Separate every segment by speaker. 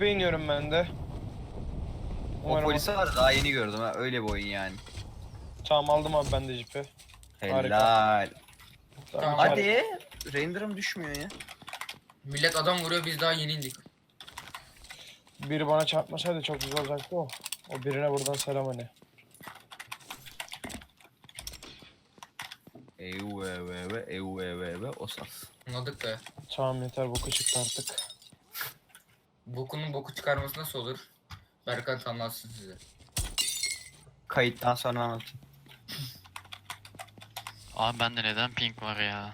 Speaker 1: Cipe iniyorum ben de.
Speaker 2: O polisi var daha yeni gördüm ha. Öyle bir oyun yani.
Speaker 1: Tamam aldım abi ben de cipi.
Speaker 2: Helal.
Speaker 3: Tamam.
Speaker 2: Hadi. Render'ım düşmüyor ya.
Speaker 3: Millet adam vuruyor biz daha yeni indik.
Speaker 1: Biri bana çarpmasaydı çok güzel olacaktı o. O birine buradan selam hani.
Speaker 2: Ev osas.
Speaker 3: Anladık be.
Speaker 1: Tamam yeter boku çıktı artık.
Speaker 3: Bokunun boku çıkarması nasıl olur? Berkant anlatsın size.
Speaker 2: Kayıttan sonra anlatayım.
Speaker 4: Abi bende neden ping var ya?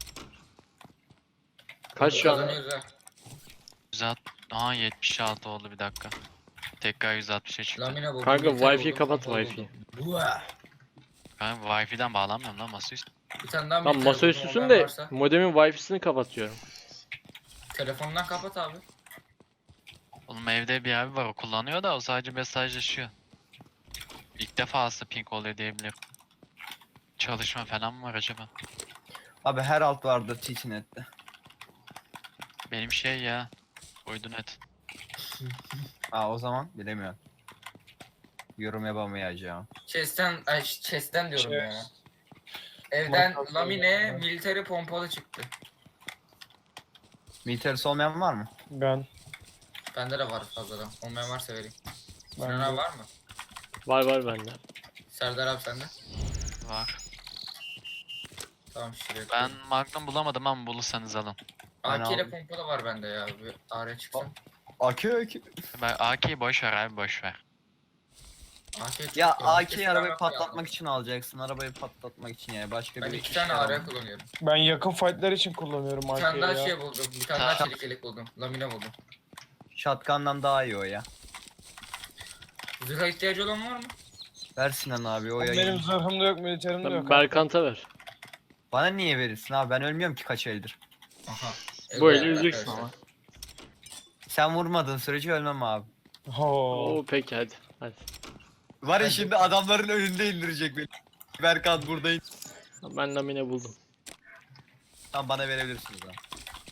Speaker 5: Kaç şu an?
Speaker 3: Kazanıyoruz ha.
Speaker 4: 160, aha 76 oldu bir dakika. Tekrar 160'a çıktı.
Speaker 3: Lamine buldum.
Speaker 5: Kanka
Speaker 3: Militer
Speaker 5: Wi-Fi
Speaker 3: buldum,
Speaker 5: kapat
Speaker 3: pompalı
Speaker 5: Wi-Fi.
Speaker 3: buldum. Buah!
Speaker 4: Ben Wi-Fi'den bağlanmıyorum lan masaüstü.
Speaker 3: Bir tane daha
Speaker 5: Tam
Speaker 3: militer
Speaker 5: masaüstüsün
Speaker 3: buldum,
Speaker 5: de
Speaker 3: olan varsa.
Speaker 5: modemin Wi-Fi'sini kapatıyorum.
Speaker 3: Telefondan kapat abi.
Speaker 4: Oğlum evde bir abi var o kullanıyor da o sadece mesajlaşıyor. İlk defa aslında ping oluyor diyebilirim. Çalışma falan mı var acaba?
Speaker 2: Abi her alt vardı TTNet'te.
Speaker 4: Benim şey ya. Uydu net.
Speaker 2: O zaman bilemiyorum. Yorum yapamayacağım.
Speaker 3: Chest'ten diyorum
Speaker 1: Şey-
Speaker 3: ya. Evden
Speaker 1: Markası
Speaker 3: lamine,
Speaker 1: yani.
Speaker 3: militeri pompalı çıktı.
Speaker 2: Militerisi olmayan var mı?
Speaker 1: Ben.
Speaker 3: Bende de var fazladan. Olmayan varsa vereyim.
Speaker 1: Ben
Speaker 3: Sinan
Speaker 1: de.
Speaker 3: abi var mı?
Speaker 5: Var bende.
Speaker 3: Serdar abi sende.
Speaker 4: Var.
Speaker 3: Tamam şuraya.
Speaker 4: Ben Magnum bulamadım ama bulursanız alın.
Speaker 2: Ben
Speaker 3: AK ile
Speaker 2: aldım.
Speaker 3: pompalı var bende ya. Bir araya çıksın.
Speaker 2: AK.
Speaker 4: Ben AK'yi boş ver abi boş ver.
Speaker 3: AK çok
Speaker 2: Ya
Speaker 3: iyi.
Speaker 2: AK'yi
Speaker 3: Kesin
Speaker 2: arabayı
Speaker 3: araba
Speaker 2: patlatmak
Speaker 3: aldım.
Speaker 2: için alacaksın. Arabayı patlatmak için yani. Başka
Speaker 3: Ben
Speaker 2: bir
Speaker 3: iki
Speaker 2: işe
Speaker 3: tane
Speaker 2: yaramaz.
Speaker 3: araya kullanıyorum.
Speaker 1: Ben yakın fightlar için kullanıyorum
Speaker 3: Bir tane
Speaker 1: AK'yi
Speaker 3: daha
Speaker 1: ya.
Speaker 3: şey buldum. Bir tane daha çelik yelek buldum. Lamine buldum.
Speaker 2: Shotgun'dan daha iyi o ya.
Speaker 3: Zırha ihtiyacı olan var mı?
Speaker 2: Ver Sinan abi o ya.
Speaker 1: Benim zırhım da yok, militerim de
Speaker 5: Ben
Speaker 1: yok.
Speaker 5: Berkant'a ver.
Speaker 2: Bana niye verirsin abi? Ben ölmüyorum ki kaç eldir.
Speaker 3: Aha.
Speaker 5: Bu
Speaker 3: Evet,
Speaker 5: eli öleceksin
Speaker 3: arkadaşlar.
Speaker 5: ama.
Speaker 2: Sen vurmadığın sürece ölmem abi.
Speaker 1: Oo.
Speaker 5: Oo peki hadi.
Speaker 2: Var ya
Speaker 3: Hadi.
Speaker 2: şimdi adamların önünde indirecek beni. Berkan buradayım.
Speaker 5: Ben lamine buldum.
Speaker 2: Tamam bana verebilirsiniz lan.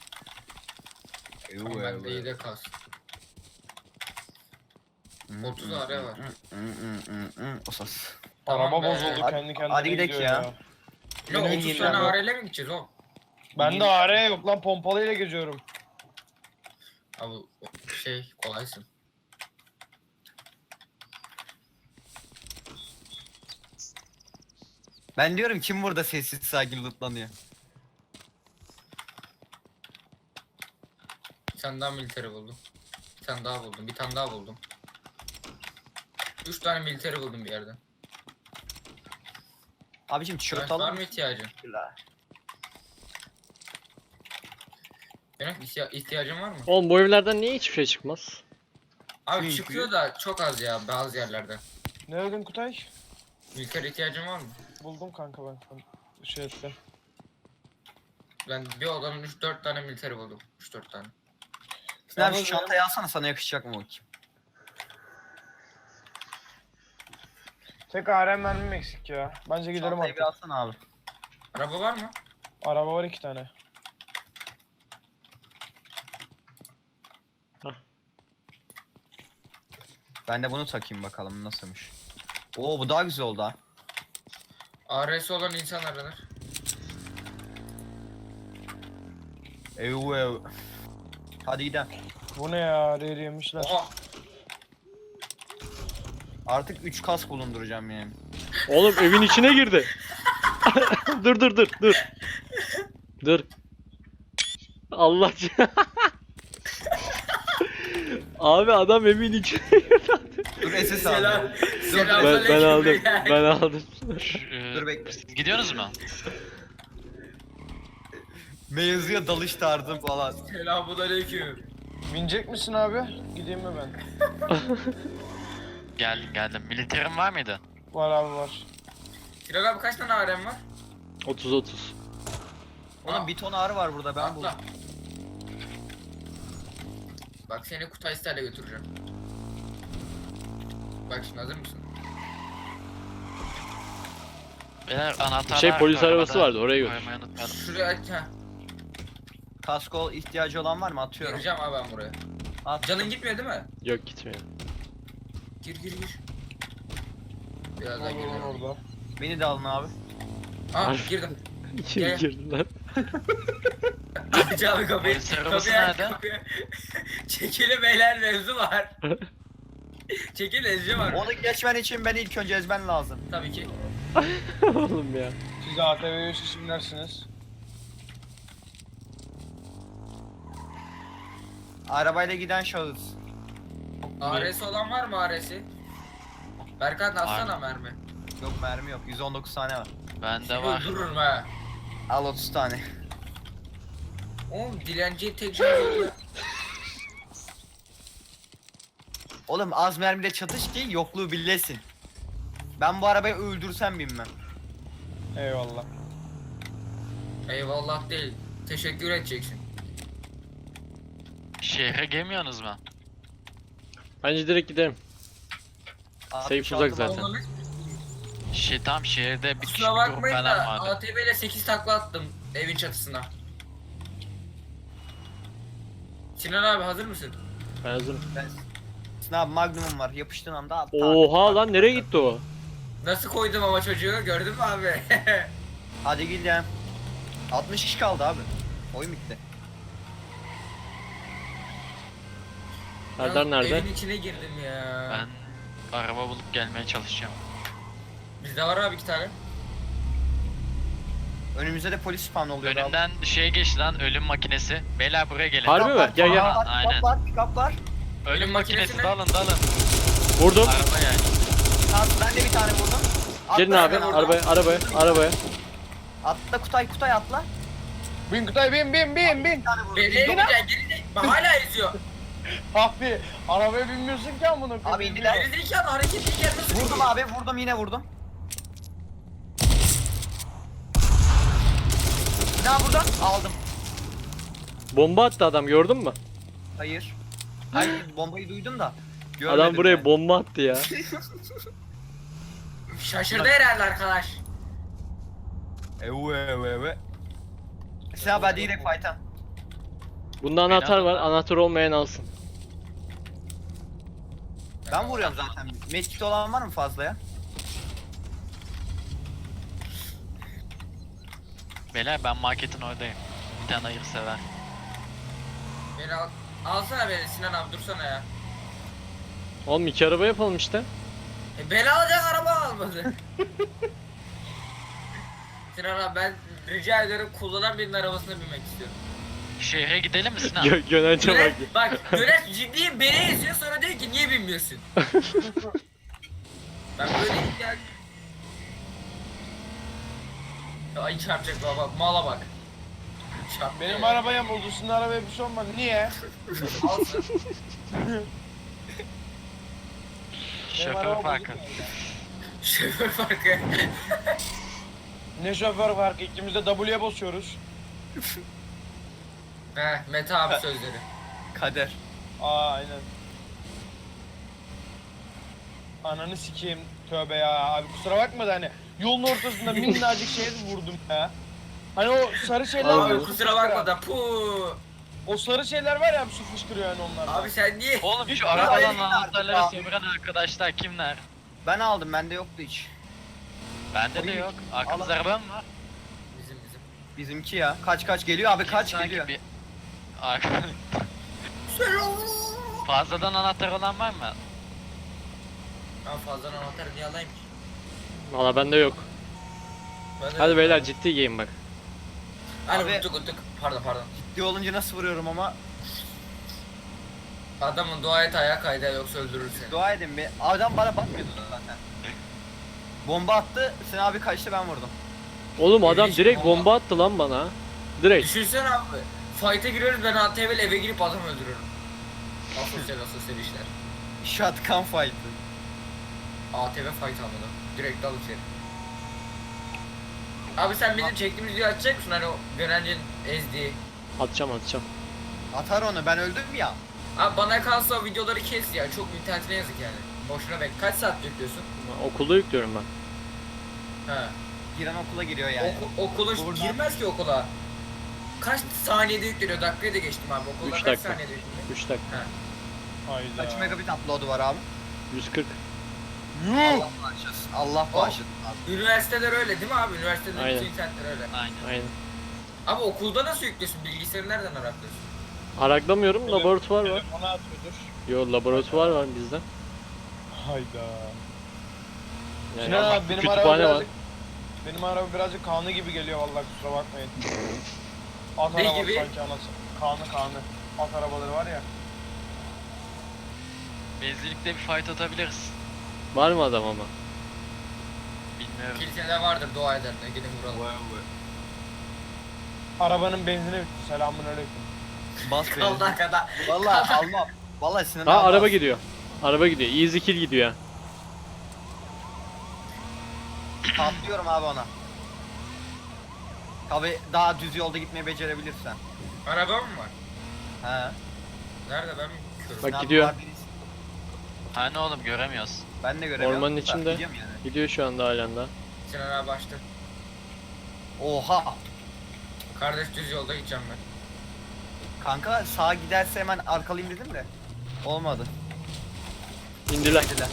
Speaker 3: Tamam bende iyi de kas. 30 araya var.
Speaker 2: Osas.
Speaker 3: Tamam
Speaker 1: Araba
Speaker 3: be.
Speaker 1: bozuldu
Speaker 2: Hadi-
Speaker 1: kendi kendine
Speaker 2: hadi gidelim
Speaker 1: gidiyor
Speaker 2: ya.
Speaker 3: Ne
Speaker 1: Benim
Speaker 3: 30
Speaker 1: yeni
Speaker 3: tane
Speaker 1: yok.
Speaker 3: AR'yle mi gideceğiz oğlum?
Speaker 1: Ben de AR yok lan, pompalıyla geziyorum.
Speaker 3: Abi şey kolaysın.
Speaker 2: Ben diyorum kim burada sessiz sakin lootlanıyor.
Speaker 3: Bir tane daha militeri buldum. Bir tane daha buldum. Bir tane daha buldum. 3 tane militeri buldum bir yerden.
Speaker 2: Abicim tişört
Speaker 3: Var
Speaker 2: alır
Speaker 3: mı
Speaker 2: mısın?
Speaker 3: ihtiyacın? Benim ihtiyacın var mı?
Speaker 5: Oğlum bu evlerden niye hiçbir şey çıkmaz?
Speaker 3: Abi
Speaker 2: Çünkü-
Speaker 3: çıkıyor da çok az ya bazı yerlerde.
Speaker 1: Ne dedin Kutay?
Speaker 3: Militer ihtiyacın var mı?
Speaker 1: Buldum kanka ben. Şey ettim.
Speaker 3: Ben bir odanın 3-4 tane militeri buldum. 3-4 tane.
Speaker 2: Sinan abi şu
Speaker 1: Yalnız
Speaker 2: çantayı alsana sana yakışacak mı bakayım.
Speaker 1: Tek AR mermim eksik ya. Bence gidelim
Speaker 2: Çantayı
Speaker 1: artık.
Speaker 2: bir alsana abi.
Speaker 3: Araba var mı?
Speaker 1: Araba var 2 tane.
Speaker 2: Ben de bunu takayım bakalım nasılmış. Oo bu daha güzel oldu ha.
Speaker 3: AR'si olan insan aranır.
Speaker 2: Ev. Hadi gidelim.
Speaker 1: Bu ne ya? Reri yemişler.
Speaker 3: Oha!
Speaker 2: Artık 3 kas bulunduracağım yani.
Speaker 5: Oğlum evin içine girdi. dur. Dur. Allah Abi adam evin içine girdi.
Speaker 2: Dur SS
Speaker 3: Selam.
Speaker 2: aldım.
Speaker 5: Ben aldım. Ben aldım.
Speaker 2: Dur bekle.
Speaker 4: Siz gidiyorsunuz mu?
Speaker 2: Mevzuya dalış tarzım falan.
Speaker 3: Selamünaleyküm.
Speaker 1: Binecek misin abi? Gideyim mi ben?
Speaker 4: Geldim. Militerim var mıydı?
Speaker 1: Var abi var.
Speaker 3: Sinan abi kaç tane AR'm var?
Speaker 5: 30.
Speaker 2: Oğlum bir ton ağrı var burada ben
Speaker 3: Atla.
Speaker 2: buldum.
Speaker 3: Bak seni Kutay Ster'le götüreceğim. Bak şimdi hazır mısın?
Speaker 4: Beyler anahtarlar...
Speaker 5: Şey, polis
Speaker 4: arabada
Speaker 5: arabası vardı, oraya götür.
Speaker 4: koymayı unutmayalım.
Speaker 3: Şuraya aç ha.
Speaker 2: Kasko ihtiyacı olan var mı? Atıyorum.
Speaker 3: Gireceğim abi ben buraya.
Speaker 2: At.
Speaker 3: Canın gitmiyor değil mi?
Speaker 5: Yok gitmiyor.
Speaker 3: Gir gir gir. Biraz daha
Speaker 1: Olur
Speaker 3: gir.
Speaker 1: orada.
Speaker 2: Beni de alın abi.
Speaker 3: Aa girdim.
Speaker 5: İçeri
Speaker 3: Gel.
Speaker 5: girdiler.
Speaker 3: Aç abi kapıyı.
Speaker 4: Polis arabası
Speaker 3: Kapıyı aç,
Speaker 4: nerede?
Speaker 3: kapıyı. Çekili beyler mevzu var. Çekil ezci var.
Speaker 2: Onu geçmen için beni ilk önce ezmen lazım.
Speaker 3: Tabii ki.
Speaker 5: Oğlum ya.
Speaker 1: Siz ATV'ye isimlersiniz.
Speaker 2: Arabayla giden şahıs.
Speaker 3: ARS olan var mı ARS'i? Berkan atsana
Speaker 4: Var.
Speaker 3: mermi.
Speaker 2: Yok mermi yok. 119 tane var.
Speaker 4: Bende var.
Speaker 3: Öldürürüm ha.
Speaker 2: Al 30 tane.
Speaker 3: Oğlum dilenciye tek şans oldu.
Speaker 2: Oğlum az mermiyle çatış ki yokluğu bilesin. Ben bu arabayı öldürsem bilmem.
Speaker 1: Eyvallah.
Speaker 3: Eyvallah değil. Teşekkür edeceksin.
Speaker 4: Şehre girmiyorsunuz mu?
Speaker 5: Bence direkt gidelim. Safe
Speaker 2: 66
Speaker 5: uzak zaten.
Speaker 3: Oğlum,
Speaker 4: Tam şehirde bir
Speaker 3: kusura
Speaker 4: grup
Speaker 3: bakmayın da
Speaker 4: falan vardı.
Speaker 3: ATV ile 8 takla attım evin çatısına. Sinan abi hazır mısın?
Speaker 5: Ben hazırım.
Speaker 2: Sınav magnumum var. Yapıştığın anda at.
Speaker 5: Oha lan nereye gitti o?
Speaker 3: Nasıl koydum ama çocuğu gördün mü abi?
Speaker 2: Hadi gidelim. 60 kişi kaldı abi. Oyun bitti.
Speaker 5: Serdar
Speaker 3: Ya,
Speaker 5: nerede?
Speaker 3: Evin içine girdim ya.
Speaker 4: Ben araba bulup gelmeye çalışacağım.
Speaker 3: Bizde var abi 2 tane.
Speaker 2: Önümüzde de polis spawn oluyor abi.
Speaker 4: Önümden şey geçti lan, ölüm makinesi. Beyler buraya gelin.
Speaker 5: Harbi mi? Gel gel.
Speaker 4: Aynen.
Speaker 2: Pick-up var.
Speaker 4: Ölüm makinesi
Speaker 3: makinesine-
Speaker 4: dalın.
Speaker 5: Vurdum.
Speaker 4: Araba yani.
Speaker 2: Tamam ben de bir tane vurdum. Atla
Speaker 5: Gelin abi
Speaker 2: hemen oradan.
Speaker 5: arabaya.
Speaker 2: Atla Kutay atla.
Speaker 1: Bin Kutay bin.
Speaker 2: Bir tane vurdum.
Speaker 3: Beni yemeyeceksin geri bak hala eziyor.
Speaker 1: Abi arabaya binmiyorsun ki amına koyayım.
Speaker 2: Abi indiler.
Speaker 3: Geri zekalı hareketliyken nasıl
Speaker 2: Vurdum
Speaker 3: gidiyor?
Speaker 2: abi vurdum yine vurdum. Bir daha buradan aldım.
Speaker 5: Bomba attı adam gördün mü?
Speaker 2: Hayır. Hayır bombayı duydum da.
Speaker 5: Adam
Speaker 2: görmedim
Speaker 5: buraya
Speaker 2: yani.
Speaker 5: bomba attı ya.
Speaker 3: Şaşırdı herhalde arkadaş.
Speaker 2: Evet. Sen abi hadi direkt fight'a.
Speaker 5: Bunda anahtar var. Anahtar olmayan alsın.
Speaker 2: Ben vuruyorum zaten. Medkit olan var mı fazla ya?
Speaker 4: Beyler ben marketin oradayım. Bir tane hayırsever.
Speaker 3: Beni al. Alsana beni Sinan abi dursana ya.
Speaker 5: Oğlum 2 araba yapalım işte.
Speaker 3: Beni alacak araba almadı. Sinan abi ben rica ederim kullanan birinin arabasına binmek istiyorum.
Speaker 4: Şehre gidelim mi Sinan?
Speaker 5: Gönence bak.
Speaker 3: Güneş, bak Güneş ciddiyim beni eziyor sonra diyor ki niye binmiyorsun? Ben böyle ya... Ay çarpacak baba mala bak. Çarptı
Speaker 1: Benim
Speaker 3: ya.
Speaker 1: arabaya buldu. Sizin arabaya bir şey olmadı. Niye?
Speaker 3: Alsın.
Speaker 1: Benim
Speaker 4: Şoför
Speaker 1: araba
Speaker 4: farkı.
Speaker 1: bozuk yani.
Speaker 3: Şoför farkı.
Speaker 1: Ne şoför farkı? İkimiz de W'ye basıyoruz.
Speaker 3: He Mete abi sözleri.
Speaker 2: Kader.
Speaker 1: Aynen. Ananı sikeyim. Tövbe ya. Abi kusura bakma da hani yolun ortasında minnacık şeye vurdum ya. Hani o sarı şeyler
Speaker 5: Abi,
Speaker 1: var.
Speaker 3: Abi
Speaker 1: su
Speaker 3: kusura
Speaker 1: fışkıran.
Speaker 3: bakma da pu.
Speaker 1: O sarı şeyler var ya su fışkırıyor yani onlar.
Speaker 3: Abi sen niye?
Speaker 4: Oğlum
Speaker 2: Hiç
Speaker 4: şu arabadan
Speaker 2: değil
Speaker 4: anahtarları
Speaker 2: artık abi.
Speaker 4: sömüren arkadaşlar kimler?
Speaker 2: Ben aldım bende yoktu hiç.
Speaker 4: Bende de yok. Arkamızda araba mı var?
Speaker 3: Bizim.
Speaker 2: Bizimki ya. Kaç geliyor abi kaç
Speaker 4: Sanki
Speaker 2: geliyor.
Speaker 4: bir... Fazladan anahtar olan var mı?
Speaker 3: Ben fazladan anahtarı niye alayım ki?
Speaker 5: Valla bende yok.
Speaker 3: Ben de-
Speaker 5: Hadi beyler ciddi game bak.
Speaker 3: Hani
Speaker 2: Abi-
Speaker 3: unuttuk. Pardon.
Speaker 2: Ciddi olunca nasıl vuruyorum ama
Speaker 3: Adamın dua et ayağa kaydı yoksa öldürür seni.
Speaker 2: dua edin bir. Adam bana bakmıyordu zaten. Bomba attı. Sen abi kaçtı ben vurdum.
Speaker 5: Oğlum adam
Speaker 3: Hiç
Speaker 5: direkt
Speaker 3: bomba-
Speaker 5: bomba attı lan bana. Direkt.
Speaker 3: Düşünsene abi. Fight'e giriyoruz ben ATV'yle eve girip adam öldürüyorum. Asosyal işler.
Speaker 2: Shotgun fight.
Speaker 3: ATV fight almadı. Direkt dal içeri. Abi sen bizim çektiğimiz videoyu açacak mısın hani o Görencin ezdiği?
Speaker 5: Atacağım.
Speaker 2: Atar onu ben öldüm ya.
Speaker 3: Abi bana kalsa o videoları kes ya çok internetine yazık yani. Boşuna bek. Kaç saat yüklüyorsun?
Speaker 5: Okulda yüklüyorum ben.
Speaker 3: He.
Speaker 2: Giren okula giriyor yani.
Speaker 3: Okula
Speaker 2: Buradan-
Speaker 3: girmez ki okula. Kaç saniyede yükleniyor? Dakikayı da geçtim abi. Okulda
Speaker 5: Üç
Speaker 3: kaç
Speaker 5: dakika.
Speaker 3: saniyede yükleniyor?
Speaker 5: 3 dakika.
Speaker 1: Hayda.
Speaker 2: Kaç megabit upload'u var abi?
Speaker 5: 140.
Speaker 1: Yuh!
Speaker 2: Allah bağışlasın. Allah bağışlasın abi.
Speaker 3: Üniversiteler öyle değil mi abi? Üniversitede
Speaker 5: Aynen.
Speaker 3: bütün internetler öyle.
Speaker 4: Aynen.
Speaker 5: Aynen.
Speaker 3: Abi okulda nasıl yüklüyorsun? Bilgisayarı nereden araklıyorsun?
Speaker 5: Araklamıyorum, laboratuvar var.
Speaker 1: Telefona atıyordur.
Speaker 5: Yo, laboratuvar var bizde.
Speaker 1: Hayda.
Speaker 5: Yani
Speaker 1: Sinan abi benim araba
Speaker 5: kütüphane var.
Speaker 1: birazcık... Benim araba birazcık kanlı gibi geliyor vallahi kusura bakmayın. At
Speaker 3: Ne
Speaker 1: arabası
Speaker 3: gibi?
Speaker 1: sanki anası. Kanlı. At arabaları var ya.
Speaker 4: Benzinlikte bir fight atabiliriz.
Speaker 5: Var mı adam ama?
Speaker 4: Bilmiyorum.
Speaker 3: Kilisede vardır dua edenler. Gidin vuralım.
Speaker 1: Arabanın benzini bitti. Selamünaleyküm.
Speaker 2: Bas beni.
Speaker 3: Allah kadar.
Speaker 2: Vallahi almam. Vallahi Sinan
Speaker 5: Ha,
Speaker 2: abi
Speaker 5: araba
Speaker 2: bas.
Speaker 5: gidiyor. Araba gidiyor. Easy kill gidiyor.
Speaker 2: Patlıyorum abi ona. Tabi daha düz yolda gitmeyi becerebilirsen.
Speaker 3: Araba mı var?
Speaker 2: He.
Speaker 3: Nerede ben mi körüm?
Speaker 5: Bak
Speaker 2: Sinan
Speaker 5: gidiyor.
Speaker 2: var birisi.
Speaker 4: Hani oğlum göremiyoruz.
Speaker 2: Ben de göremiyorum.
Speaker 5: Ormanın
Speaker 2: da
Speaker 5: içinde.
Speaker 2: gidiyorum yani.
Speaker 5: Gidiyor şu anda halen daha.
Speaker 3: Sinan abi açtı.
Speaker 2: Oha.
Speaker 3: Kardeş düz yolda gideceğim ben.
Speaker 2: Kanka sağa giderse hemen arkalayayım dedim de. Olmadı.
Speaker 5: İndiler.
Speaker 2: Dediler.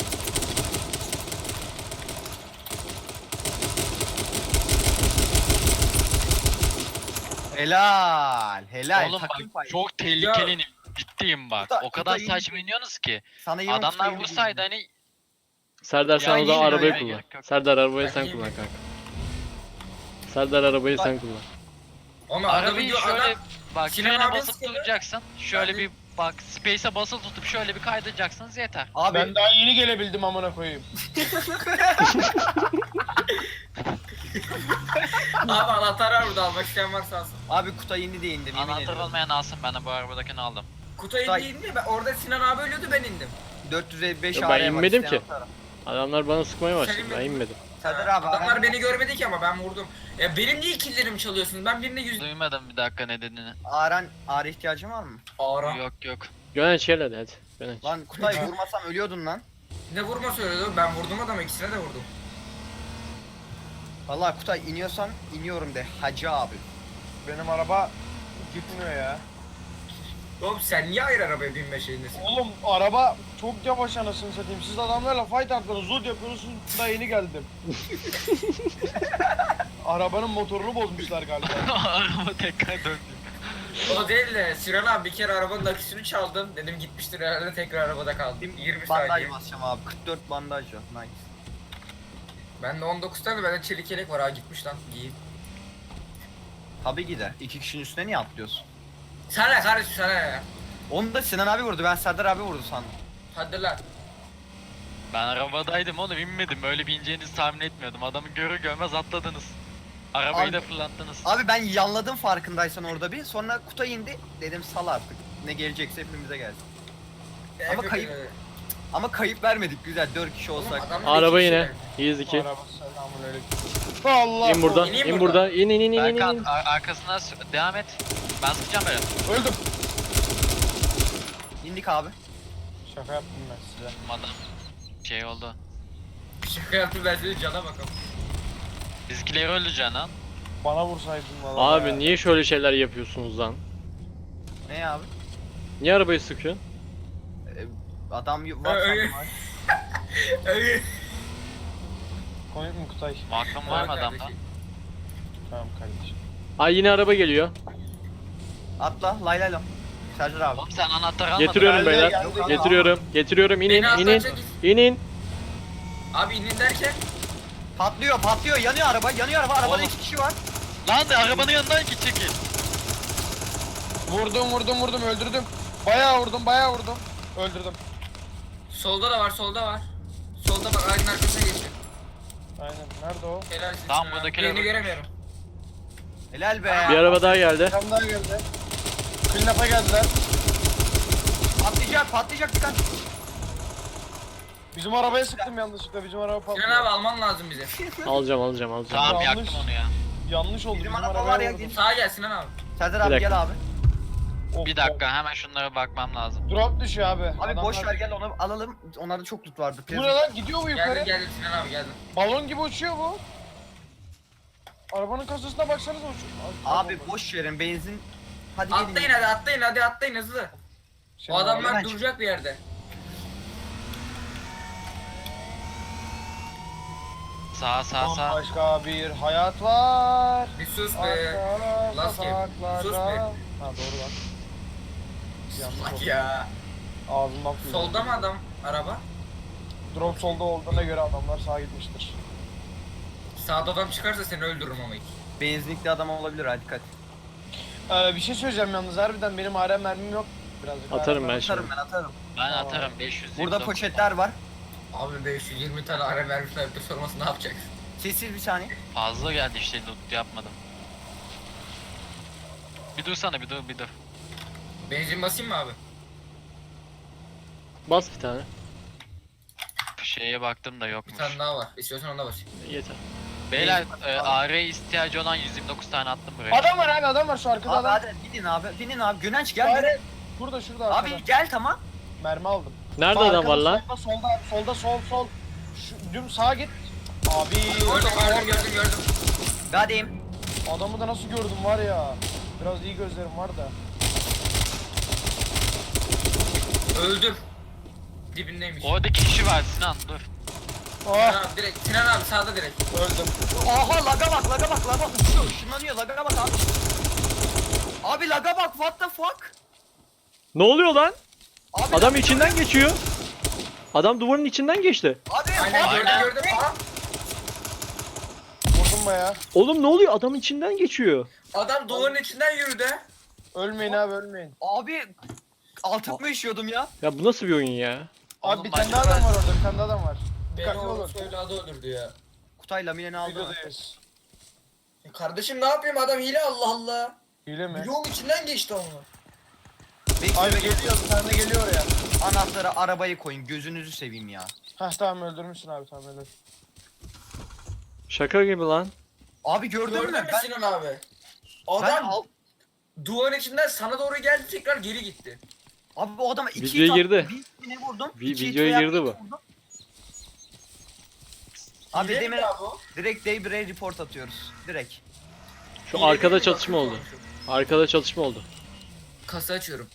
Speaker 2: Helal. Helal.
Speaker 4: Oğlum
Speaker 2: Takım
Speaker 4: bak
Speaker 2: payı.
Speaker 4: çok tehlikeli. Ciddiyim bak.
Speaker 2: Kuta-
Speaker 4: O kadar
Speaker 2: kuta
Speaker 4: saçma iniyorsunuz ki.
Speaker 2: Sana iyi olmuş,
Speaker 4: Adamlar
Speaker 2: iyi
Speaker 4: vursaydı
Speaker 2: olmuş.
Speaker 4: hani
Speaker 5: Serdar sen
Speaker 4: Ya
Speaker 5: o zaman
Speaker 2: iyi
Speaker 5: arabayı
Speaker 2: ya,
Speaker 5: kullan.
Speaker 4: gerek yok.
Speaker 5: Serdar arabayı
Speaker 3: Ben
Speaker 5: sen
Speaker 3: iyi
Speaker 5: kullan
Speaker 3: miyim?
Speaker 5: kanka. Serdar arabayı
Speaker 2: Bak.
Speaker 5: sen kullan.
Speaker 3: Ama adam
Speaker 4: arabayı
Speaker 3: gidiyor
Speaker 4: şöyle
Speaker 3: adam.
Speaker 4: bak
Speaker 3: Sinan
Speaker 4: frene
Speaker 3: abi
Speaker 4: basıp
Speaker 3: sıkıldı.
Speaker 4: duracaksın. Şöyle
Speaker 3: Ben de-
Speaker 4: bir bak space'e basılı tutup şöyle bir kaydıracaksınız yeter.
Speaker 2: Abi
Speaker 1: Ben daha yeni gelebildim amına koyayım.
Speaker 3: Abi anahtar var burada almak isteyen varsa alsın.
Speaker 2: abi Kutay indi diye indim yemin
Speaker 4: Anahtar
Speaker 2: ediyorum.
Speaker 4: olmayan alsın, ben de bu arabadakini aldım.
Speaker 3: Kutayı
Speaker 2: Kutay-
Speaker 3: değil mi? Ben, orada Sinan abi ölüyordu ben indim.
Speaker 2: 455
Speaker 5: Yo, ben
Speaker 2: araya var,
Speaker 5: inmedim
Speaker 2: isteyen
Speaker 5: ki.
Speaker 2: atarım.
Speaker 5: Adamlar bana sıkmaya başladı.
Speaker 3: Senin
Speaker 5: Ben
Speaker 3: mi?
Speaker 5: inmedim.
Speaker 2: Serdar abi.
Speaker 3: Adamlar
Speaker 2: ben-
Speaker 3: beni görmedi ki ama ben vurdum. Ya benim niye killerimi çalıyorsunuz? Ben birine yüz...
Speaker 4: Duymadım bir dakika ne dediğini.
Speaker 2: Ağrı ihtiyacın var mı?
Speaker 3: Ağra.
Speaker 4: Yok yok.
Speaker 5: Gönenç gel hadi. Gönenç.
Speaker 2: Lan Kutay vurmasam ölüyordun lan.
Speaker 3: Ne vurma söylüyordu? Ben vurdum adamı, ikisine de vurdum.
Speaker 2: Vallahi Kutay iniyorsan iniyorum de hacı abi.
Speaker 1: Benim araba gitmiyor ya.
Speaker 3: Oğlum sen niye ayrı arabaya binme şeyindesin?
Speaker 1: Oğlum araba çok yavaş anasını satayım. Siz adamlarla fight attınız, zod yapıyorsunuz. Daha yeni geldim. Arabanın motorunu bozmuşlar galiba.
Speaker 4: Araba tekrar döndü.
Speaker 3: O değil de Sinan abi bir kere arabanın aküsünü çaldım. Dedim gitmiştir herhalde, tekrar arabada kaldım. 20
Speaker 2: Bandaj
Speaker 3: saniye.
Speaker 2: basacağım abi. 44 bandaj yok. Nice.
Speaker 3: Ben de 19 tane, bende çelik yelek var ha, gitmiş lan. Giyin.
Speaker 2: Tabi gider. 2 kişinin üstüne niye atlıyorsun?
Speaker 3: Sana ne kardeşim, sana ne ya?
Speaker 2: Onu da Sinan abi vurdu. Ben Serdar abi vurdu sandım.
Speaker 3: Hadi lan.
Speaker 4: Ben arabadaydım oğlum, inmedim. Öyle bir ineceğinizi tahmin etmiyordum. Adamı görür görmez atladınız. Arabayı
Speaker 2: Abi-
Speaker 4: da fırlattınız.
Speaker 2: Abi ben yanladım farkındaysan orada bir. Sonra Kutay indi. Dedim sal artık. Ne gelecekse hepimize gelsin. Ama kayıp- Ama kayıp vermedik güzel. 4 kişi
Speaker 3: Oğlum,
Speaker 2: olsak.
Speaker 3: adamlar
Speaker 5: Araba
Speaker 3: iki
Speaker 5: yine.
Speaker 3: kişi.
Speaker 5: Easy kill.
Speaker 1: Araba selamünaleyküm. Allah.
Speaker 5: İn buradan.
Speaker 3: İneyim
Speaker 5: İn
Speaker 3: buradan.
Speaker 5: burada. İn in in in in
Speaker 4: Berkan
Speaker 5: in.
Speaker 4: arkasına devam et. Ben sıkacağım böyle.
Speaker 1: Öldüm.
Speaker 2: İndik abi.
Speaker 1: Şaka yaptım ben size.
Speaker 4: Adam şey oldu.
Speaker 3: Şaka yaptım ben, senin cana bakalım.
Speaker 4: Bizimkileri öldüreceksin lan.
Speaker 1: Bana vursaydın valla.
Speaker 5: Abi niye şöyle şeyler yapıyorsunuz lan?
Speaker 2: Ne abi?
Speaker 5: Niye arabayı sıkıyorsun?
Speaker 2: Adam var
Speaker 3: Öyle.
Speaker 2: sandım.
Speaker 3: Öyle.
Speaker 1: Komik mi Kutay?
Speaker 4: Aklım var mı adamda?
Speaker 3: kardeşim.
Speaker 1: Tamam kardeşim.
Speaker 5: Ay yine araba geliyor.
Speaker 2: Atla lay lay lay. Serdar abi.
Speaker 4: Oğlum sen anahtarı almadın.
Speaker 5: Getiriyorum
Speaker 1: Geldi,
Speaker 5: beyler.
Speaker 1: geldi, geldi.
Speaker 5: Getiriyorum. Getiriyorum. İnin
Speaker 3: Beni
Speaker 5: inin.
Speaker 3: atlatacak.
Speaker 5: İnin.
Speaker 3: Abi inin derken.
Speaker 2: Patlıyor patlıyor. Yanıyor araba. Yanıyor araba. Arabada
Speaker 4: Oğlum.
Speaker 2: 2 kişi var.
Speaker 4: Lan de arabanın yanından git çekil.
Speaker 1: Vurdum öldürdüm. Bayağı vurdum. Öldürdüm.
Speaker 3: Solda da var, solda var. Solda bak, ağacın arkasına geçiyor.
Speaker 1: Aynen. Nerede o?
Speaker 3: Helalsin.
Speaker 4: Tamam,
Speaker 3: Sinan abi.
Speaker 4: buradakiler
Speaker 3: Birini
Speaker 4: öldü.
Speaker 3: göremiyorum.
Speaker 2: Helal be.
Speaker 5: Bir araba daha geldi.
Speaker 1: Bir tane daha geldi. Clean-up'a geldiler.
Speaker 2: Patlayacak patlayacak dikkat.
Speaker 1: Bizim arabaya sıktım yanlışlıkla. Bizim araba patlıyor.
Speaker 3: Sinan abi alman lazım bize.
Speaker 5: Alacağım alacağım.
Speaker 4: Tamam
Speaker 1: Yanlış.
Speaker 4: yaktım onu ya.
Speaker 1: Yanlış oldu.
Speaker 2: Bizim
Speaker 1: Bizim
Speaker 2: araba
Speaker 1: arabaya
Speaker 2: var ya,
Speaker 1: vurdum.
Speaker 3: Sağa gel Sinan abi.
Speaker 2: Serdar
Speaker 5: Bir
Speaker 2: abi
Speaker 5: dakika.
Speaker 2: gel abi.
Speaker 1: Of,
Speaker 4: Bir dakika hemen şunlara bakmam lazım.
Speaker 1: Drop düşüyor abi.
Speaker 2: Abi boş
Speaker 1: Adamlar-
Speaker 2: ver gel onu alalım. Onlarda çok loot vardı.
Speaker 1: Bu ne lan? Gidiyor mu yukarı?
Speaker 3: Geldim geldim Sinan abi, geldim.
Speaker 1: Balon gibi uçuyor bu. Arabanın kasasına baksanıza uçuyor.
Speaker 2: Abi boş verin benzin. Hadi gelin.
Speaker 3: Atlayın hadi, atlayın hadi, atlayın hızlı. O adamlar
Speaker 2: oradan
Speaker 3: duracak bir yerde.
Speaker 4: Sağ.
Speaker 1: Başka bir hayat var.
Speaker 3: Bir sus be.
Speaker 1: Arka
Speaker 3: Last game. Sus be.
Speaker 1: sokaklarda. Ha doğru lan. Yanlış
Speaker 3: Bak
Speaker 1: oldu.
Speaker 3: ya.
Speaker 1: Ağzımdan fırladı.
Speaker 3: Solda mı adam araba?
Speaker 1: Drop solda olduğuna göre adamlar sağa gitmiştir.
Speaker 3: Sağda adam çıkarsa seni öldürürüm ama ilk.
Speaker 2: Benzinlikli adam olabilir, hadi dikkat.
Speaker 1: Bir şey söyleyeceğim yalnız harbiden benim AR mermim yok. Birazcık
Speaker 5: Atarım
Speaker 1: AR
Speaker 5: ben
Speaker 1: mermim-
Speaker 5: şimdi.
Speaker 2: Atarım ben atarım.
Speaker 4: Ben
Speaker 1: Tamam.
Speaker 4: atarım 500.
Speaker 2: Burada poşetler var.
Speaker 3: Abi 520 tane ara vermiş ayıptır sorması ne yapacak?
Speaker 2: Sessiz bir saniye.
Speaker 4: Fazla geldi işte loot yapmadım. Bir dursana bir dur.
Speaker 3: Benzin basayım mı abi?
Speaker 5: Bas bir tane.
Speaker 4: Şeye baktım da
Speaker 3: Bir
Speaker 4: yokmuş.
Speaker 3: tane daha var. İstiyorsan ona basayım.
Speaker 5: Yeter.
Speaker 4: Beyler AR ihtiyacı olan 129 tane attım buraya.
Speaker 1: Adam var abi, adam var şu arkada
Speaker 2: Abi
Speaker 1: adam.
Speaker 2: hadi binin abi. Binin abi. Gönenç gel.
Speaker 1: Hayır,
Speaker 2: Gel.
Speaker 1: Burada şurada arkada.
Speaker 2: Abi gel tamam.
Speaker 1: Mermi aldım.
Speaker 5: Nerede
Speaker 1: Bak,
Speaker 5: adam var
Speaker 1: arkada,
Speaker 5: lan?
Speaker 1: Solda sol. Şu, düm sağa git. Abi
Speaker 3: Gördüm.
Speaker 2: Gadeyim.
Speaker 1: adamı da nasıl gördüm var ya. Biraz iyi gözlerim var da.
Speaker 3: Öldüm. Dibindeymiş.
Speaker 4: Oradaki kişi var Sinan dur.
Speaker 3: Sinan
Speaker 1: Ah
Speaker 3: abi direkt. Sinan abi sağda direkt.
Speaker 1: öldüm.
Speaker 2: Aha laga bak. Uçuyor, ışınlanıyor. Laga bak abi. Abi laga bak, what the fuck?
Speaker 5: Ne oluyor lan?
Speaker 2: Abi
Speaker 5: Adam
Speaker 2: laga-
Speaker 5: içinden geçiyor. Adam duvarın içinden geçti.
Speaker 2: Abi
Speaker 3: Aynen
Speaker 2: fuck.
Speaker 3: gördüm. Aha.
Speaker 1: Vurdum baya.
Speaker 5: Oğlum ne oluyor? Adam içinden geçiyor.
Speaker 3: Adam duvarın içinden yürüdü.
Speaker 1: Ölmeyin abi ölmeyin.
Speaker 2: Abi altıma işiyordum ya.
Speaker 5: Ya bu nasıl bir oyun ya?
Speaker 1: Abi
Speaker 4: Oğlum
Speaker 1: bir tane
Speaker 4: başka-
Speaker 1: daha adam var orada, bir tane daha adam var.
Speaker 3: Beni
Speaker 1: Dikkatli
Speaker 3: o
Speaker 1: olun.
Speaker 3: evladı öldürdü ya.
Speaker 2: Kutay lamineni aldı.
Speaker 1: Videodayız.
Speaker 3: Kardeşim ne yapayım adam hile Allah Allah.
Speaker 1: Hile mi?
Speaker 3: Bloğun içinden geçti onu.
Speaker 1: Abi geliyor, bir tane de geliyor oraya.
Speaker 2: Anahtarı arabaya koyun, gözünüzü seveyim ya.
Speaker 1: Hah tamam öldürmüşsün abi, tamam öldür.
Speaker 5: Şaka gibi lan.
Speaker 2: Abi gördün
Speaker 3: Gördün
Speaker 2: mü?
Speaker 3: mü
Speaker 2: Ben,
Speaker 3: Sinan abi?
Speaker 2: ben
Speaker 3: Adam
Speaker 2: al-
Speaker 3: duvarın içinden sana doğru geldi tekrar geri gitti.
Speaker 2: Abi bu adama iki
Speaker 5: Videoya
Speaker 2: hit
Speaker 5: girdi.
Speaker 2: attım, bir ne vurdum?
Speaker 5: Vi-
Speaker 2: iki hit
Speaker 5: videoya
Speaker 2: veya
Speaker 5: girdi
Speaker 2: bir
Speaker 5: bu.
Speaker 2: vurdum. Abi
Speaker 3: Hile mi
Speaker 2: demin
Speaker 3: ya bu?
Speaker 2: direkt Daybreak report atıyoruz. Direkt.
Speaker 5: Şu
Speaker 3: Hile
Speaker 5: arkada
Speaker 3: değil mi?
Speaker 5: çatışma oldu. Arkada çatışma oldu.
Speaker 3: Kasa açıyorum.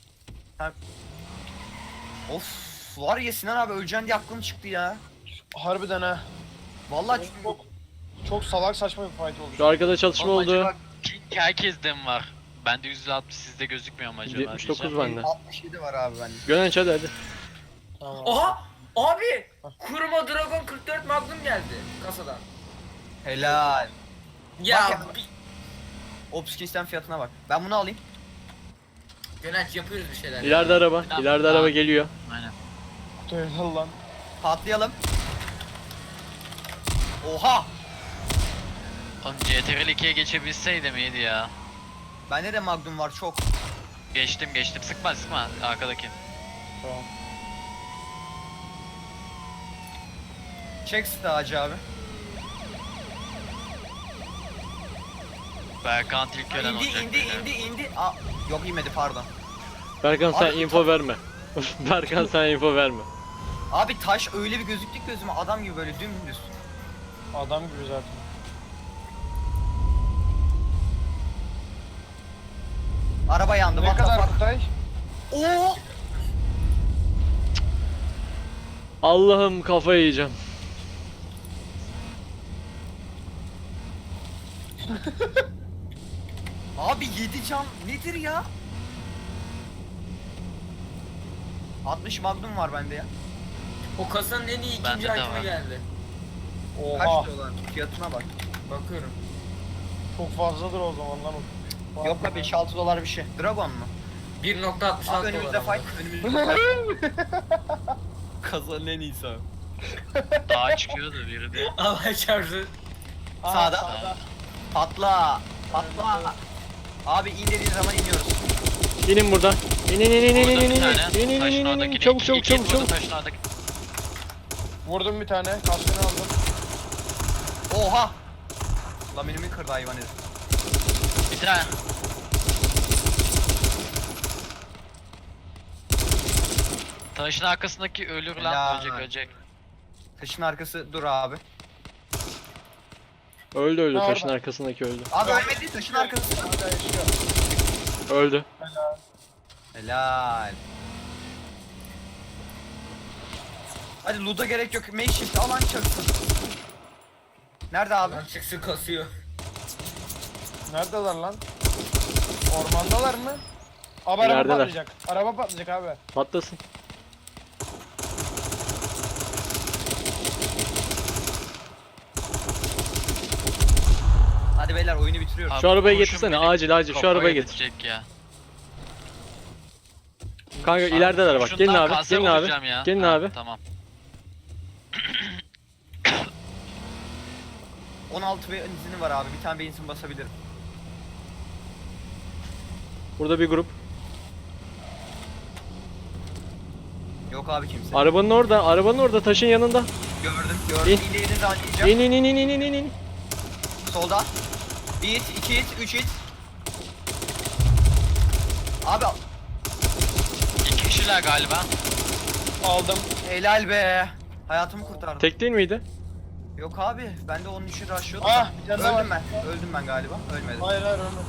Speaker 2: Of var ya Sinan abi öleceksin diye aklım çıktı ya.
Speaker 1: Harbiden ha.
Speaker 2: Vallahi
Speaker 1: Çok salak saçma bir fight oldu.
Speaker 5: Şu arkada çatışma
Speaker 2: Vallahi
Speaker 5: oldu.
Speaker 2: bak,
Speaker 4: Pink herkesten var. Bende 160 sizde gözükmüyor mu acaba?
Speaker 5: 79
Speaker 4: diyeceğim.
Speaker 5: bende.
Speaker 2: 67 var abi bende.
Speaker 5: Gönenç hadi.
Speaker 1: Tamam.
Speaker 3: Oha! Abi! Kuruma Dragon 44 Magnum geldi kasadan.
Speaker 2: Helal.
Speaker 3: Ya
Speaker 2: Bak Opskins'ten fiyatına bak. Ben bunu alayım.
Speaker 3: Gönenç yapıyoruz bir şeyler.
Speaker 5: İleride araba.
Speaker 4: Tamam,
Speaker 5: İleride
Speaker 4: tamam.
Speaker 5: araba geliyor.
Speaker 4: Aynen.
Speaker 1: Tövbe lan.
Speaker 2: Patlayalım. Oha!
Speaker 4: Oğlum CTRL 2'ye geçebilseydim iyiydi ya.
Speaker 2: Bende de Magnum var çok.
Speaker 4: Geçtim. Sıkma arkadaki.
Speaker 1: Tamam.
Speaker 2: Çek ağacı abi.
Speaker 4: Berkant ilk ölen
Speaker 2: İndi
Speaker 4: olacak.
Speaker 2: indi
Speaker 4: beyler.
Speaker 2: indi. Aa, yok inmedi pardon.
Speaker 5: Berkan sen
Speaker 2: Abi-
Speaker 5: info verme. Berkan sen info verme.
Speaker 2: Abi taş öyle bir gözüktü ki gözüme adam gibi böyle dümdüz.
Speaker 1: Adam gibi zaten.
Speaker 2: Araba yandı.
Speaker 1: Ne
Speaker 2: what the
Speaker 1: kadar
Speaker 2: fuck?
Speaker 1: Kutay?
Speaker 2: Oo!
Speaker 5: Allah'ım kafayı yiyeceğim.
Speaker 2: Abi 7 can nedir ya? 60 Magnum var bende ya.
Speaker 3: O kasanın en iyi
Speaker 4: Bende
Speaker 3: ikinci
Speaker 4: de
Speaker 3: itemi
Speaker 4: var.
Speaker 3: geldi.
Speaker 2: Kaç
Speaker 1: Oha.
Speaker 2: diyorlar? Fiyatına bak.
Speaker 3: Bakıyorum.
Speaker 1: Çok fazladır o zaman lan o.
Speaker 2: Yok be 5-6 dolar bir şey. Dragon mu?
Speaker 3: 1.66
Speaker 2: Abi önümüzde
Speaker 3: dolar
Speaker 2: fight. Önümüzde fight. Kazanın en iyisi abi.
Speaker 4: Dağa çıkıyordu biri de.
Speaker 3: Allah çarpsın.
Speaker 1: Aha,
Speaker 2: Sağda. Patla. Patla. Abi in dediğin zaman iniyoruz.
Speaker 5: İnin buradan. İnin.
Speaker 4: Vurdum bir tane.
Speaker 5: İnin
Speaker 4: Taşın oradakini.
Speaker 5: Çabuk
Speaker 4: İki hit vurdum taşın oradaki.
Speaker 1: Vurdum bir tane, kaskını aldım.
Speaker 2: Oha. Laminimi kırdı hayvan herif.
Speaker 4: Bir tane. Taşın arkasındaki ölür lan.
Speaker 2: Helal.
Speaker 4: Ölecek.
Speaker 2: Taşın arkası dur abi.
Speaker 5: Öldü
Speaker 1: Ne
Speaker 5: taşın
Speaker 1: orada?
Speaker 5: arkasındaki öldü.
Speaker 2: Abi ölmedi taşın arkası.
Speaker 1: Hala yaşıyor.
Speaker 5: Öldü.
Speaker 2: Helal. Hadi loot'a gerek yok. Makeshift alan çaksın. Nerede abi?
Speaker 3: Lan çıksın kasıyor.
Speaker 1: Neredeler lan? Ormandalar mı? Abi araba
Speaker 5: İlerideler.
Speaker 1: patlayacak. Araba patlayacak abi.
Speaker 5: Patlasın.
Speaker 2: Hadi beyler oyunu bitiriyoruz.
Speaker 4: Abi
Speaker 5: Şu arabayı
Speaker 4: kurşun
Speaker 5: getirsene,
Speaker 4: beni
Speaker 5: acil acil şu
Speaker 4: kafaya
Speaker 5: arabayı getir.
Speaker 4: getirecek ya.
Speaker 5: Kanka ilerideler bak. Gelin
Speaker 4: Kurşundan
Speaker 5: abi.
Speaker 4: kanser
Speaker 5: Gelin abi.
Speaker 4: olacağım ya.
Speaker 5: Gelin
Speaker 4: Ha,
Speaker 5: abi.
Speaker 4: Tamam.
Speaker 2: 16 benzini var abi. Bir tane benzin basabilirim.
Speaker 5: Burada bir grup.
Speaker 2: Yok abi kimse.
Speaker 5: Arabanın orada. Arabanın orada. Taşın yanında.
Speaker 2: Gördüm.
Speaker 5: İn.
Speaker 2: İleriğini zannedeceğim.
Speaker 5: İn in in in in in in.
Speaker 2: Solda. 1 hit, 2 hit, 3 hit. Abi
Speaker 4: 2 kişiler galiba.
Speaker 1: Aldım.
Speaker 2: helal be. Hayatımı kurtardın.
Speaker 5: Tek değil miydi?
Speaker 2: Yok abi. Ben de onun için rushlıyordum.
Speaker 1: Ah, bir tane daha
Speaker 2: Öldüm
Speaker 1: var.
Speaker 2: ben. Öldüm ben galiba. Ölmedim.
Speaker 1: Hayır ölmedim.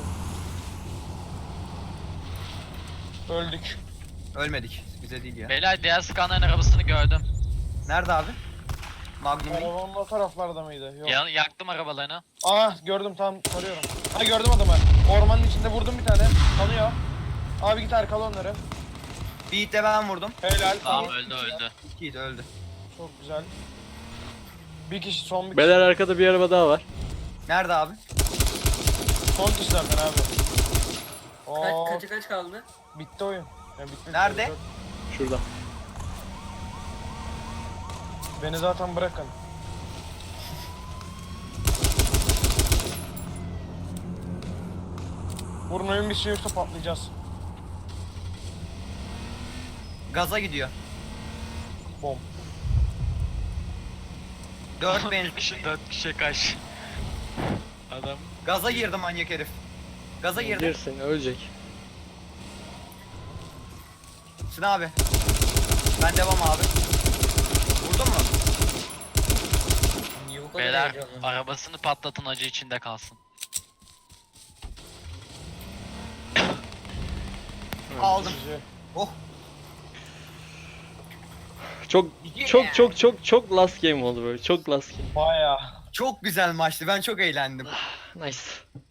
Speaker 1: Öldük.
Speaker 2: Ölmedik. Bize değil ya.
Speaker 4: Beyler diğer skanların arabasını gördüm.
Speaker 2: Nerede abi? Magnum.
Speaker 1: Arabanın o taraflarda mıydı? Yok.
Speaker 4: Yaktım arabalarını.
Speaker 1: Gördüm tam tarıyorum. Ha gördüm adamı. Ormanın içinde vurdum bir tane. Tanıyor. Abi git arkala onları.
Speaker 2: Bir hit de ben vurdum.
Speaker 1: Helal.
Speaker 4: Tamam
Speaker 1: Tamam.
Speaker 4: öldü.
Speaker 2: 2 hit öldü.
Speaker 1: Çok güzel. Bir kişi son bir kişi.
Speaker 5: Beyler arkada bir araba daha var.
Speaker 2: Nerede abi?
Speaker 1: Son kişi zaten abi. Oo,
Speaker 3: Kaç kaldı?
Speaker 1: bitti oyun. Ya bitmedi.
Speaker 2: Nerede?
Speaker 5: Şurada.
Speaker 1: Beni zaten bırakın. Vurun oyun bir şey yoksa patlayacağız.
Speaker 2: Gaza gidiyor.
Speaker 1: Bom.
Speaker 2: 4 benzin.
Speaker 4: 4 kişi kaç. Adam.
Speaker 2: Gaza girdi manyak herif. Gaza girdi.
Speaker 5: Girsin ölecek.
Speaker 2: Sin abi. Ben devam abi. Vurdun mu?
Speaker 3: Niye bu kadar
Speaker 4: Beyler
Speaker 3: heyecanlı?
Speaker 4: arabasını patlatın acı içinde kalsın.
Speaker 2: Aldım.
Speaker 1: Sizi.
Speaker 2: Oh.
Speaker 5: Çok çok çok çok çok last game oldu böyle. Çok last game.
Speaker 1: Bayağı.
Speaker 2: Çok güzel maçtı. Ben çok eğlendim.
Speaker 5: Nice.